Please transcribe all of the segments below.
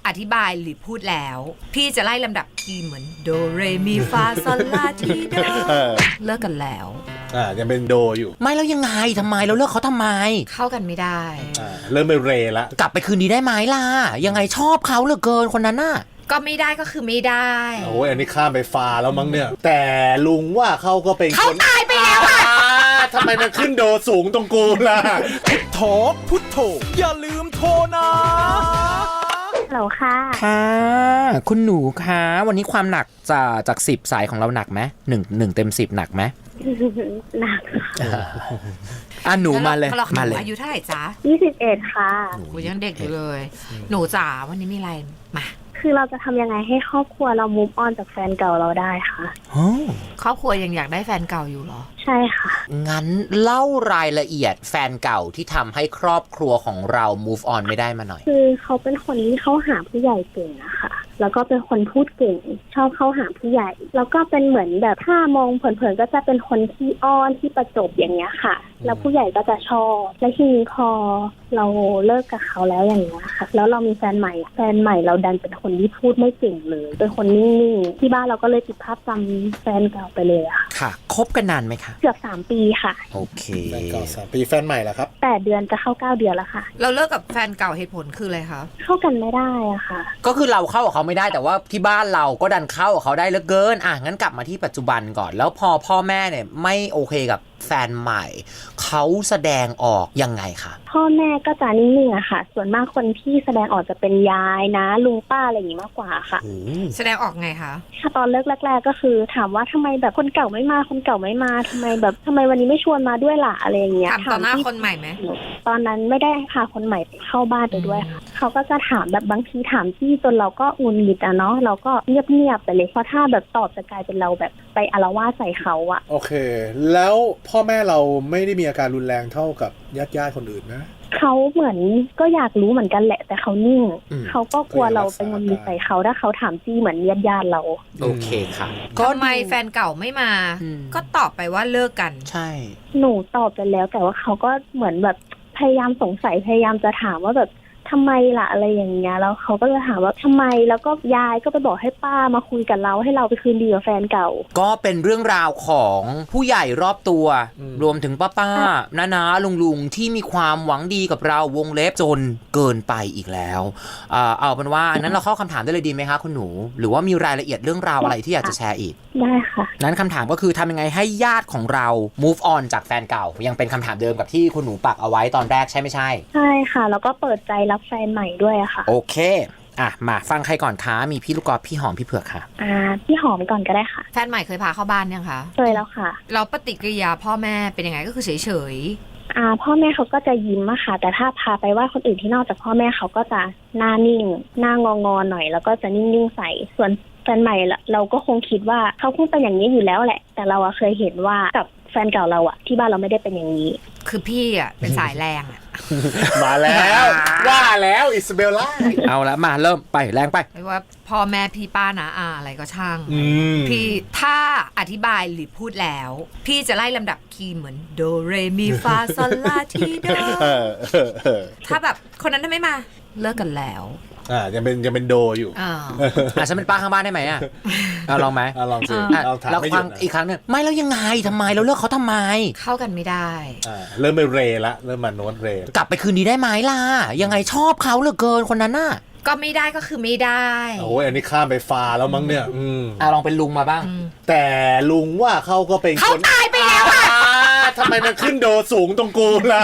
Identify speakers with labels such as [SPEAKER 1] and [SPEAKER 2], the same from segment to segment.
[SPEAKER 1] อธิบายหรือพูดแล้วพี่จะไล่ลำดับคีย์เหมือนโดเรมีฟาซอลลาทีโดเลิกกันแล้ว
[SPEAKER 2] ยังเป็นโดอยู่
[SPEAKER 3] ไม่แล้วยังไงทำไมเราเลิกเขาทำไม
[SPEAKER 1] เข้ากันไม่ได้
[SPEAKER 2] เริ่มเป็นเรละ
[SPEAKER 3] กลับไปคืนดีได้ไหมล่ะยังไงชอบเขาเหลือเกินคนนั้นน่ะ
[SPEAKER 1] ก็ไม่ได้ก็คือไม่ได้
[SPEAKER 2] โอ้ยอันนี้ข้ามไปฟ้าแล้วมั้งเนี่ยแต่ลุงว่าเขาก็เป็น
[SPEAKER 1] เขาตายไปแล้วอะ
[SPEAKER 2] ทำไมมันขึ้นโดสูงตรงกูล่ะ
[SPEAKER 4] พุทโธพุทโธอย่าลืมโทรนะ
[SPEAKER 5] ฮัลโหลค่ะ
[SPEAKER 3] ค่ะคุณหนูคะวันนี้ความหนักจาก10สายของเราหนักไหม1เต็ม10หนักไหม
[SPEAKER 5] หนัก
[SPEAKER 3] หนูมาเลย
[SPEAKER 1] มาเลยอายุเท่าไหร่จ๊ะ
[SPEAKER 5] 21ค่ะ
[SPEAKER 1] หนูยังเด็กอยู่เลยหนูจ๋าวันนี้มีอะไรมา
[SPEAKER 5] คือเราจะทำยังไงให้ครอบครัวเรา move on จากแฟนเก่าเราได้คะ
[SPEAKER 1] ครอบครัวยังอยากได้แฟนเก่าอยู่หรอ
[SPEAKER 5] ใช่ค่ะ
[SPEAKER 3] งั้นเล่ารายละเอียดแฟนเก่าที่ทำให้ครอบครัวของเรา move on ไม่ได้มาหน่อย
[SPEAKER 5] คือเขาเป็นคนที่เข้าหาผู้ใหญ่เก่งอะค่ะแล้วก็เป็นคนพูดเก่งชอบเข้าหาผู้ใหญ่แล้วก็เป็นเหมือนแบบถ้ามองเผินๆก็จะเป็นคนที่อ้อนที่ประจบอย่างเงี้ยค่ะแล้วผู้ใหญ่ก็จะชอบและทีนี้พอเราเลิกกับเขาแล้วอย่างเงี้ยค่ะแล้วเรามีแฟนใหม่เราดันเป็นคนที่พูดไม่เก่งเลยเป็นคนนิ่งๆที่บ้านเราก็เลยติดภาพจำแฟนเก่าไปเลยอะ
[SPEAKER 3] ค่ะคบกันนานไหมคะ
[SPEAKER 5] เกือบ3 ปีค่ะ
[SPEAKER 3] โอเค
[SPEAKER 2] แฟนเก่า3 ปีแฟนใหม่แล้วครับ
[SPEAKER 5] 8 เดือนจะเข้า9 เดือนแล้วค่ะ
[SPEAKER 1] เราเลิกกับแฟนเก่าเหตุผลคืออะไรคะ
[SPEAKER 5] เข้ากันไม่ได้อะค่ะ
[SPEAKER 3] ก็คือเราเข้ากับเขาไม่ได้แต่ว่าที่บ้านเราก็ดันเข้ากับเขาได้เหลือเกินงั้นกลับมาที่ปัจจุบันก่อนแล้วพอพ่อแม่เนี่ยไม่โอเคกับแฟนใหม่เขาแสดงออกยังไงคะ
[SPEAKER 5] พ่อแม่ก็จะนิ่งๆอะค่ะส่วนมากคนที่แสดงออกจะเป็นยายนะลุงป้าอะไรอย่างนี้มากกว่าค่ะ
[SPEAKER 1] แสดงออกไงคะ
[SPEAKER 5] ถ้าตอนเลิกแรกๆก็คือถามว่าทำไมแบบคนเก่าไม่มาทำไมวันนี้ไม่ชวนมาด้วยล่ะอะไรอย่างเงี้ย
[SPEAKER 1] ถามต่อหน้าคนใหม่ไหม
[SPEAKER 5] ตอนนั้นไม่ได้พาคนใหม่เข้าบ้านไปด้วยค่ะเขาก็จะถามแบบบางทีถามที่จนเราก็งุนหงิดเนาะเราก็เงียบๆไปเลยเพราะถ้าแบบตอบจะกลายเป็นเราแบบไปอาละวาดใส่เขาอะ
[SPEAKER 2] โอเคแล้วพ่อแม่เราไม่ได้มีอาการรุนแรงเท่ากับญาติคนอื่นนะ
[SPEAKER 5] เขาเหมือนก็อยากรู้เหมือนกันแหละแต่เขานิ่งเขาก็กลัวเราไปงุนหงิดใส่เขาถ้าเขาถามจี้เหมือนญาติเรา
[SPEAKER 3] โอเคค่ะ
[SPEAKER 1] ก็ทำไมแฟนเก่าไม่มาก็ตอบไปว่าเลิกกัน
[SPEAKER 3] ใช่
[SPEAKER 5] หนูตอบไปแล้วแต่ว่าเขาก็เหมือนแบบพยายามสงสัยพยายามจะถามว่าแบบทำไมล่ะอะไรอย่างเงี้ยแล้วเขาก็จะถามว่าทำไมแล้วก็ยายก็ไปบอกให้ป้ามาคุยกับเราให้เราไปคืนดีกับแฟนเก่า
[SPEAKER 3] ก็เป็นเรื่องราวของผู้ใหญ่รอบตัวรวมถึงป้าน้าลุงที่มีความหวังดีกับเราวงเล็บจนเกินไปอีกแล้วเอาเป็นว่านั้นเราเข้าคำถามได้เลยดีไหมคะคุณหนูหรือว่ามีรายละเอียดเรื่องราวอะไรที่อยากจะแชร์อีก
[SPEAKER 5] ได้ค่ะ
[SPEAKER 3] นั้นคำถามก็คือทำยังไงให้ญาติของเรา move on จากแฟนเก่ายังเป็นคำถามเดิมกับที่คุณหนูปักเอาไว้ตอนแรกใช่ไม่ใช่
[SPEAKER 5] ใช่ค่ะแล้วก็เปิดใจรับแฟนใหม่ด้วยค่ะ
[SPEAKER 3] โอเคมาฟังใครก่อนคะมีพี่ลูกกอล์ฟพี่หอมพี่เผือกค่ะ
[SPEAKER 5] พี่หอมก่อนก็ได้ค่ะ
[SPEAKER 1] แฟนใหม่เคยพาเข้าบ้านยังคะ
[SPEAKER 5] เคยแล้วค่ะ
[SPEAKER 1] เราปฏิกิริยาพ่อแม่เป็นยังไงก็คือเฉย
[SPEAKER 5] พ่อแม่เขาก็จะยิ้มอะค่ะแต่ถ้าพาไปว่าคนอื่นที่นอกจากพ่อแม่เขาก็จะหน้านิ่งหน้างอหน่อยแล้วก็จะนิ่งๆใส่ส่วนแฟนใหม่เราก็คงคิดว่าเขาคงเป็นอย่างนี้อยู่แล้วแหละแต่เราเคยเห็นว่ากับแฟนเก่าเราที่บ้านเราไม่ได้เป็นอย่างนี้
[SPEAKER 1] คือพี่เป็นสายแรง
[SPEAKER 2] มาแล้วว่าแล้วอิซาเบลล่า
[SPEAKER 3] เอาละมาเริ่มไปแรงไป
[SPEAKER 1] ไม่ว่าพ่อแม่พี่ป้านะอะไรก็ช่างพี่ถ้าอธิบายหรือพูดแล้วพี่จะไล่ลำดับคีย์เหมือนโดเรมีฟาซอลลาทีโดถ้าแบบคนนั้นทำไมมาเลิกกันแล้ว
[SPEAKER 2] ยังเป็นโดอยู่
[SPEAKER 3] ฉันเป็นป้าข้างบ้านได้ไหมลองไหม
[SPEAKER 2] ลองสิ
[SPEAKER 3] เราฟังอีกครั้งนึงไม่แล้วยังไงทำไมเราเลิกเขาทำไม
[SPEAKER 1] เข้ากันไม่ได้
[SPEAKER 2] เริ่มเป็นเรละเริ่มมาโน้ตเร
[SPEAKER 3] กลับไปคืนดีได้ไหมล่ะยังไงชอบเขาเหลือเกินคนนั้นน่ะ
[SPEAKER 1] ก็ไม่ได้ก็คือไม่ได้
[SPEAKER 2] โอ้ยอันนี้ข้ามไปฟ้าแล้วมั้งเนี่ย
[SPEAKER 3] ลองเป็นลุงมาบ้าง
[SPEAKER 2] แต่ลุงว่าเขาก็เป็น
[SPEAKER 1] เขาตายไปแล้ว
[SPEAKER 2] ทำไมมันขึ้นโดสูงตรงกูล่ะ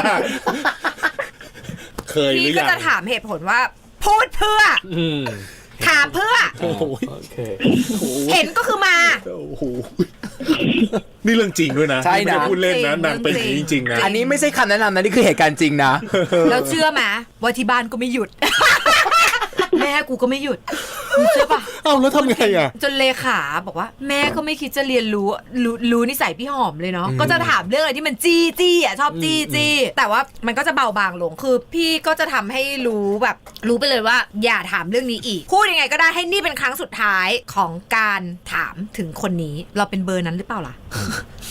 [SPEAKER 2] เคยหรือยังพี่
[SPEAKER 1] ก็จะถามเหตุผลว่าพูดเพื่อถามเพื่อเห็นก็คือมา
[SPEAKER 2] นี่เรื่องจริงด้วยนะ
[SPEAKER 3] ใช่นะ
[SPEAKER 2] พูดเล่นนะนางเป็นจริงๆนะ
[SPEAKER 3] อันนี้ไม่ใช่คำแนะนำนะนี่คือเหตุการณ์จริงนะ
[SPEAKER 1] แล้วเชื่อไหมว่าที่บ้านก็ไม่หยุดแม่กูก็ไม่หยุดเชื่อปะ
[SPEAKER 2] แล้วทำไง
[SPEAKER 1] จนเลขาบอกว่าแม่ก็ไม่คิดจะเรียนรู้นิสัยพี่หอมเลยเนาะก็จะถามเรื่องอะไรที่มันจี้ชอบจี้แต่ว่ามันก็จะเบาบางลงคือพี่ก็จะทำให้รู้ไปเลยว่าอย่าถามเรื่องนี้อีกพูดยังไงก็ได้ให้นี่เป็นครั้งสุดท้ายของการถามถึงคนนี้เราเป็นเบอร์นั้นหรือเปล่าล่ะ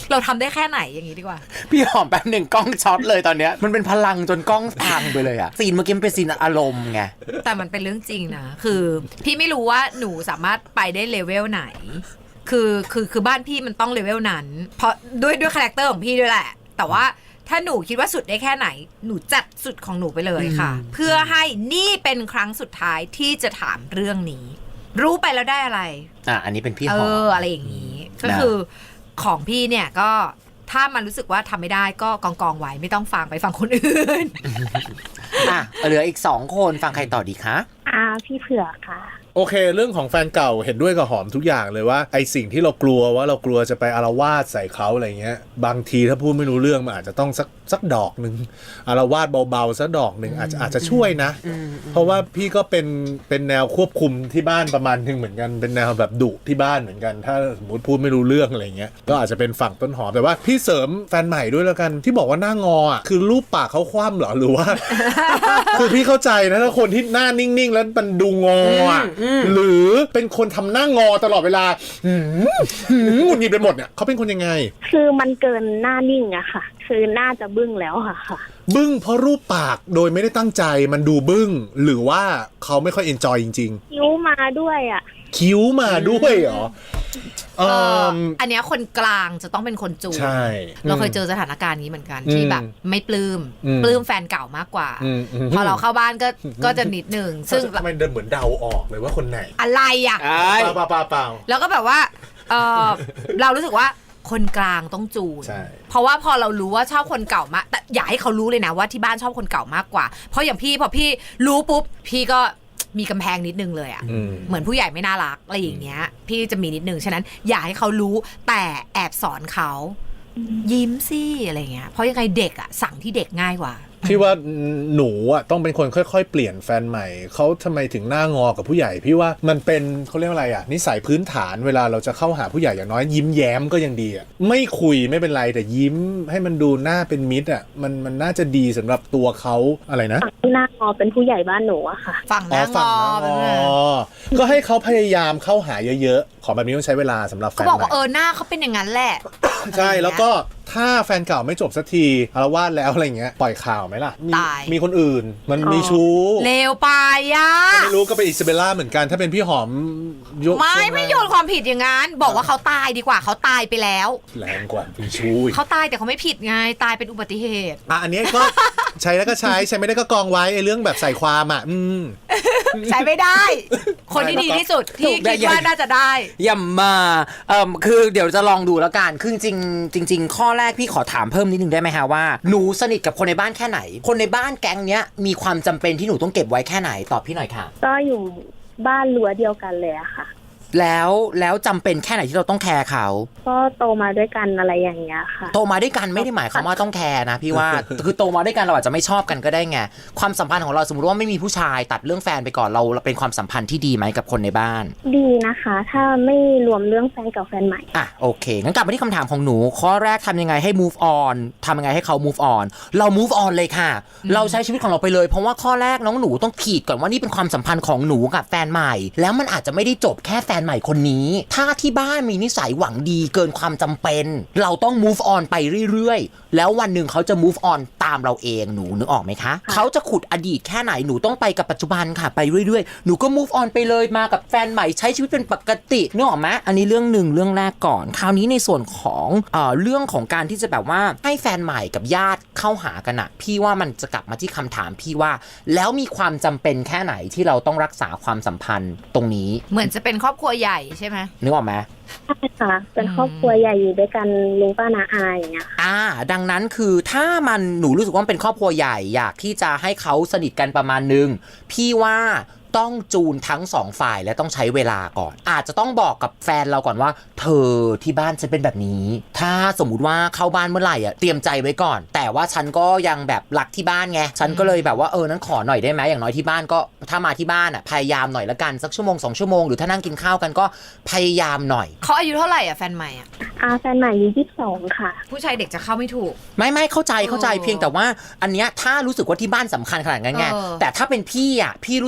[SPEAKER 1] เราทำได้แค่ไหนอย่างนี้ดีกว่า
[SPEAKER 3] พี่หอมแป๊บหนึ่งกล้องช็อตเลยตอนเนี้ยมันเป็นพลังจนกล้องพังไปเลยอะซีนเมื่อกี้มันเป็นซีนอารมณ์ไง
[SPEAKER 1] แต่มันเป็นเรื่องจริงนะคือพี่ไม่รู้ว่าหนูสามารถไปได้เลเวลไหนคือบ้านพี่มันต้องเลเวลนั้นเพราะด้วยคาแรคเตอร์ของพี่ด้วยแหละแต่ว่าถ้าหนูคิดว่าสุดได้แค่ไหนหนูจัดสุดของหนูไปเลยค่ะ เพื่อให้นี่เป็นครั้งสุดท้ายที่จะถามเรื่องนี้ รู้ไปแล้วได้อะไร
[SPEAKER 3] อันนี้เป็นพี่หอม
[SPEAKER 1] อะไรอย่างนี้ก็คือของพี่เนี่ยก็ถ้ามันรู้สึกว่าทำไม่ได้ก็กองไว้ไม่ต้องฟังไปฟังคนอื่น
[SPEAKER 3] เหลืออีก2คนฟังใครต่อดีคะ
[SPEAKER 5] พี่เผือกค่ะ
[SPEAKER 2] โอเคเรื่องของแฟนเก่าเห็นด้วยกับหอมทุกอย่างเลยว่าไอสิ่งที่เรากลัวจะไปอาละวาดใส่เขาอะไรเงี้ยบางทีถ้าพูดไม่รู้เรื่องมันอาจจะต้องสักดอกหนึ่งอาละวาดเบาๆสักดอกหนึ่งอาจจะช่วยนะเพราะว่าพี่ก็เป็นแนวควบคุมที่บ้านประมาณนึงเหมือนกันเป็นแนวแบบดุที่บ้านเหมือนกันถ้าสมมติพูดไม่รู้เรื่องอะไรเงี้ยก็อาจจะเป็นฝั่งต้นหอมแต่ว่าพี่เสริมแฟนใหม่ด้วยแล้วกันที่บอกว่าหน้างออ่ะคือรูปปากเขาคว่ำเหรอหรือว่า คือพี่เข้าใจนะถ้าคนที่หน้านิ่งๆแล้วมันดูงออ่ะหรือเป็นคนทำหน้างอตลอดเวลาหงุดหงิดไปหมดเนี่ยเขาเป็นคนยังไง
[SPEAKER 5] คือมันเกินหน้านิ่งอะค่ะคือน่าจะบึ้งแล้วค่ะ
[SPEAKER 2] บึ้งเพราะรูปปากโดยไม่ได้ตั้งใจมันดูบึ้งหรือว่าเขาไม่ค่อยเอนจอยจริง
[SPEAKER 5] ๆคิ้วมาด้วยอะ
[SPEAKER 2] คิ้วมาด้วยเหรอ
[SPEAKER 1] อันเนี้ยคนกลางจะต้องเป็นคนจูน
[SPEAKER 2] ใช่
[SPEAKER 1] เราเคยเจอสถานการณ์นี้เหมือนกันที่แบบไม่ปลื้มแฟนเก่ามากกว่าพอเราเข้าบ้านก็จะนิดหนึ่งซึ่ง
[SPEAKER 2] ทำไมเดินเหมือนเดาออกเลยว่าคนไหน
[SPEAKER 1] อะไรอ่ะ
[SPEAKER 2] เปล่า
[SPEAKER 1] แล้วก็แบบว่าเรารู้สึกว่าคนกลางต้องจูนเพราะว่าพอเรารู้ว่าชอบคนเก่ามากแต่อย่าให้เขารู้เลยนะว่าที่บ้านชอบคนเก่ามากกว่าเพราะอย่างพี่พอพี่รู้ปุ๊บพี่ก็มีกำแพงนิดนึงเลยอ่ะเหมือนผู้ใหญ่ไม่น่ารักอะไรอย่างเงี้ยพี่จะมีนิดนึงฉะนั้นอย่าให้เขารู้แต่แอบสอนเขายิ้มสิอะไรเงี้ยเพราะยังไงเด็กอ่ะสั่งที่เด็กง่ายกว่า
[SPEAKER 2] พี่ว่าหนูอ่ะต้องเป็นคนค่อยๆเปลี่ยนแฟนใหม่เขาทำไมถึงหน้างอกับผู้ใหญ่พี่ว่ามันเป็นเขาเรียกอะไรอ่ะนิสัยพื้นฐานเวลาเราจะเข้าหาผู้ใหญ่อย่างน้อยยิ้มแย้มก็ยังดีอ่ะไม่คุยไม่เป็นไรแต่ยิ้มให้มันดูหน้าเป็นมิตรอ่ะมันน่าจะดีสำหรับตัวเขาอะไรนะ
[SPEAKER 5] หน้างอเป็นผู้ใหญ่บ้านหนูอะค่ะ
[SPEAKER 1] ฝั่งหน้างอ
[SPEAKER 2] ก็ให้เขาพยายามเข้าหาเยอะๆของแบบนี้ต้องใช้เวลาสำหรับแฟนใหม่
[SPEAKER 1] เขาบอกว่าหน้าเขาเป็นอย่างนั้นแหละ
[SPEAKER 2] ใช่แล้วก็ถ้าแฟนเก่าไม่จบสักทีอาละวาดแล้วอะไรเงี้ยปล่อยข่าวไหมล่ะมีคนอื่นมันมีชู้
[SPEAKER 1] เลวไปอ่ะ
[SPEAKER 2] ไม่รู้ก็เป็นอิซาเบลล่าเหมือนกันถ้าเป็นพี่หอม
[SPEAKER 1] ไม่โยนความผิดอย่างนั้นบอกว่าเขาตายดีกว่าเขาตายไปแล้ว
[SPEAKER 2] แรงกว่ามีชู้
[SPEAKER 1] เขาตายแต่เขาไม่ผิดไงตายเป็นอุบัติเหตุ
[SPEAKER 2] อันนี้ก็ใช้แล้วก็ใช้ไม่ได้ก็กองไว้ไอ้เรื่องแบบใส่ความ
[SPEAKER 1] ใช้ไม่ได้คนที่ดีที่สุดที่คิดว่าน่าจะได้
[SPEAKER 3] อย่ามาคือเดี๋ยวจะลองดูแล้วกันคือจริงข้อแรกพี่ขอถามเพิ่มนิดนึงได้ไหมฮะว่าหนูสนิทกับคนในบ้านแค่ไหนคนในบ้านแก๊งเนี้ยมีความจำเป็นที่หนูต้องเก็บไว้แค่ไหนตอบพี่หน่อยค่ะ
[SPEAKER 5] ก็อยู่บ้านรั้วเดียวกันเลยอะค่ะ
[SPEAKER 3] แล้วจำเป็นแค่ไหนที่เราต้องแคร์เขา
[SPEAKER 5] ก็โตมาด้วยกันอะไรอย่างเงี้ยค่ะ
[SPEAKER 3] โตมาด้วยกันไม่ได้หมายความว่าต้องแคร์นะพี่ว่า คือโตมาด้วยกันเราอาจจะไม่ชอบกันก็ได้ไงความสัมพันธ์ของเราสมมติว่าไม่มีผู้ชายตัดเรื่องแฟนไปก่อนเราเป็นความสัมพันธ์ที่ดีไหมกับคนในบ้าน
[SPEAKER 5] ดีนะคะถ้าไม่รวมเรื่องแฟนกับแฟนใหม่
[SPEAKER 3] โอเคงั้นกลับมาที่คำถามของหนูข้อแรกทำยังไงให้ move on ทำยังไงให้เขา move on เรา move on เลยค่ะเราใช้ชีวิตของเราไปเลยเพราะว่าข้อแรกน้องหนูต้องขีดก่อนว่านี่เป็นความสัมพันธ์ของหนูกับแฟนใหม่แล้วมันอาจจะไม่ได้จบแค่แฟนใหม่คนนี้ถ้าที่บ้านมีนิสัยหวังดีเกินความจำเป็นเราต้อง move on ไปเรื่อยๆแล้ววันหนึ่งเขาจะ move on ตามเราเองหนูนึกออกไหมคะเขาจะขุดอดีตแค่ไหนหนูต้องไปกับปัจจุบันค่ะไปเรื่อยๆหนูก็ move on ไปเลยมากับแฟนใหม่ใช้ชีวิตเป็นปกตินึกออกไหมอันนี้เรื่องหนึ่งเรื่องแรกก่อนคราวนี้ในส่วนของเรื่องของการที่จะแบบว่าให้แฟนใหม่กับญาติเข้าหากันอะพี่ว่ามันจะกลับมาที่คำถามพี่ว่าแล้วมีความจำเป็นแค่ไหนที่เราต้องรักษาความสัมพันธ์ตรงนี้
[SPEAKER 1] เหมือนจะเป็นครอบครัวใหญ่ใช่ไหม
[SPEAKER 3] นึกออกไหม
[SPEAKER 5] ใช่ค่ะเป็นครอบครัวใหญ่อยู่ด้วยกันลุงป้าน้าอาอย่างเงี้ย
[SPEAKER 3] ดังนั้นคือถ้ามันหนูรู้สึกว่าเป็นครอบครัวใหญ่อยากที่จะให้เขาสนิทกันประมาณนึงพี่ว่าต้องจูนทั้งสองฝ่ายและต้องใช้เวลาก่อนอาจจะต้องบอกกับแฟนเราก่อนว่าเธอที่บ้านฉันเป็นแบบนี้ถ้าสมมุติว่าเข้าบ้านเมื่อไหร่เตรียมใจไว้ก่อนแต่ว่าฉันก็ยังแบบรักที่บ้านไงฉันก็เลยแบบว่านั้นขอหน่อยได้ไหมอย่างน้อยที่บ้านก็ถ้ามาที่บ้านพยายามหน่อยละกันสักชั่วโมง2ชั่วโมงหรือถ้านั่งกินข้าวกันก็พยายามหน่อย
[SPEAKER 1] เขาอายุเท่าไหร่แฟนใหม่
[SPEAKER 5] แฟนใหม่อายุ22ค่ะ
[SPEAKER 1] ผู้ชายเด็กจะเข้าไม่ถูก
[SPEAKER 3] ไม่เข้าใจเพียงแต่ว่าอันเนี้ยถ้ารู้สึกว่าที่บ้านสำคัญขนาดนั้นไงแต่ถ้าเป็นพี่รู้สึกว่า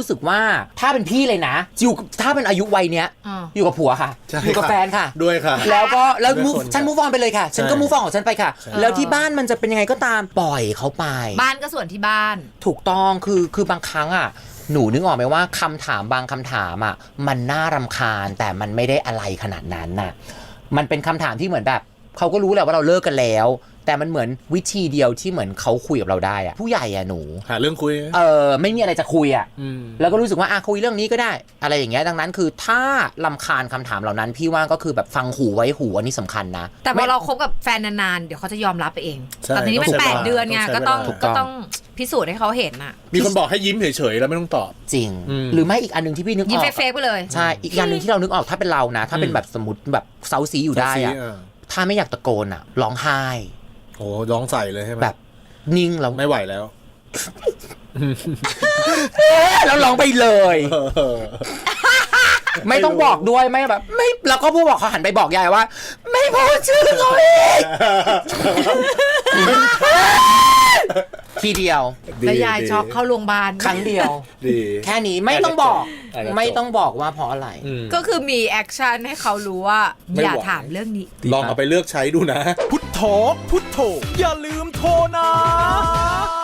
[SPEAKER 3] ถ้าเป็นพี่เลยนะอยู่ถ้าเป็นอายุวัยเนี้ย
[SPEAKER 1] อ่า
[SPEAKER 3] อยู่กับผัวค่ะ
[SPEAKER 2] ใช่
[SPEAKER 3] อยู่กับ
[SPEAKER 2] ค่ะ
[SPEAKER 3] แฟนค่ะ
[SPEAKER 2] ด้วยค่ะ
[SPEAKER 3] แล้วก็แล้ว
[SPEAKER 2] ด้วย
[SPEAKER 3] move
[SPEAKER 2] คน
[SPEAKER 3] ฉัน
[SPEAKER 2] ค่ะ
[SPEAKER 3] move on ไปเลยค่ะ ฉันก็
[SPEAKER 2] ใช่
[SPEAKER 3] move on ของฉันไปค่ะ แล้วที่บ้านมันจะเป็นยังไงก็ตามปล่อยเขาไป
[SPEAKER 1] บ้านก็ส่วนที่บ้าน
[SPEAKER 3] ถูกต้องคือบางครั้งอ่ะหนูนึกออกไหมว่าคำถามบางคำถามอ่ะมันน่ารำคาญแต่มันไม่ได้อะไรขนาดนั้นน่ะมันเป็นคำถามที่เหมือนแบบเขาก็รู้แหละว่าเราเลิกกันแล้ว แต่มันเหมือนวิธีเดียวที่เหมือนเขาคุยกับเราได้อ่ะผู้ใหญ่อ่ะหนู
[SPEAKER 2] หาเรื่องคุย
[SPEAKER 3] ไม่มีอะไรจะคุยอ่ะ
[SPEAKER 2] ม
[SPEAKER 3] แล้วก็รู้สึกว่าคุยเรื่องนี้ก็ได้ อะไรอย่างเงี้ยดังนั้นคือถ้ารำคาญคำถามเหล่านั้นพี่ว่าก็คือแบบฟังหูไว้หูอันนี้สำคัญนะ
[SPEAKER 1] แต่พอเราคบกับแฟนนานๆเดี๋ยวเขาจะยอมรับไปเอง
[SPEAKER 2] ใช่
[SPEAKER 1] แต่ทีนี้มัน
[SPEAKER 2] ต้องใช้เวลา
[SPEAKER 1] 8 เดือนไง
[SPEAKER 2] ต้องใช้เวลา
[SPEAKER 1] ก็ต้อง
[SPEAKER 3] ถูกต้อง
[SPEAKER 1] ก็ต้องพิสูจน์ให้เขาเห็นอ่ะ
[SPEAKER 2] มีคนบอกให้ยิ้มเฉยๆแล้วไม่ต้องตอบ
[SPEAKER 3] จริง
[SPEAKER 2] อืม
[SPEAKER 3] หรือไม่อีกอันหนึงที่พี่นึกอ
[SPEAKER 1] ยิ้ม
[SPEAKER 3] อก
[SPEAKER 1] เฟกๆไปเลย
[SPEAKER 3] ใช่อีกอย่างหนึ่งที่เรานึกออกถ้าเป็นเรานะ ถ้าเป็นแบบสมมติแบบเซาซีอยู่ได้อะ ถ้าไม่อยากตะโกนอะร้องไห้
[SPEAKER 2] โอ้ร้องใส่เลยใช่ไหม
[SPEAKER 3] แบบนิ่งแล้ว
[SPEAKER 2] ไม่ไหวแล้ว
[SPEAKER 3] แล้วร้องไปเลย ไม่ต้องบอกด้วยไม่แบบไม่แล้วก็ผู้บอกเขาหันไปบอกยายว่า ไม่พูดชื่อเขาอีกทีเดียว
[SPEAKER 1] แล้วยายช็อกเข้าโรงพยาบาล
[SPEAKER 3] ครั้งเดียว
[SPEAKER 2] ดี
[SPEAKER 3] แค่นี้ไม่ต้องบอก
[SPEAKER 2] อาจจะจบ
[SPEAKER 3] ไม่ต้องบอกว่าเพราะอะไร
[SPEAKER 2] อืม
[SPEAKER 1] ก็คือมีแอคชั่นให้เขารู้ว่า
[SPEAKER 2] ไม่
[SPEAKER 1] อย่า
[SPEAKER 2] ไหว
[SPEAKER 1] ถามเรื่องนี้
[SPEAKER 2] ลองเอาไปเลือกใช้ดูนะ
[SPEAKER 4] พุทโธพุทโธอย่าลืมโทรนะ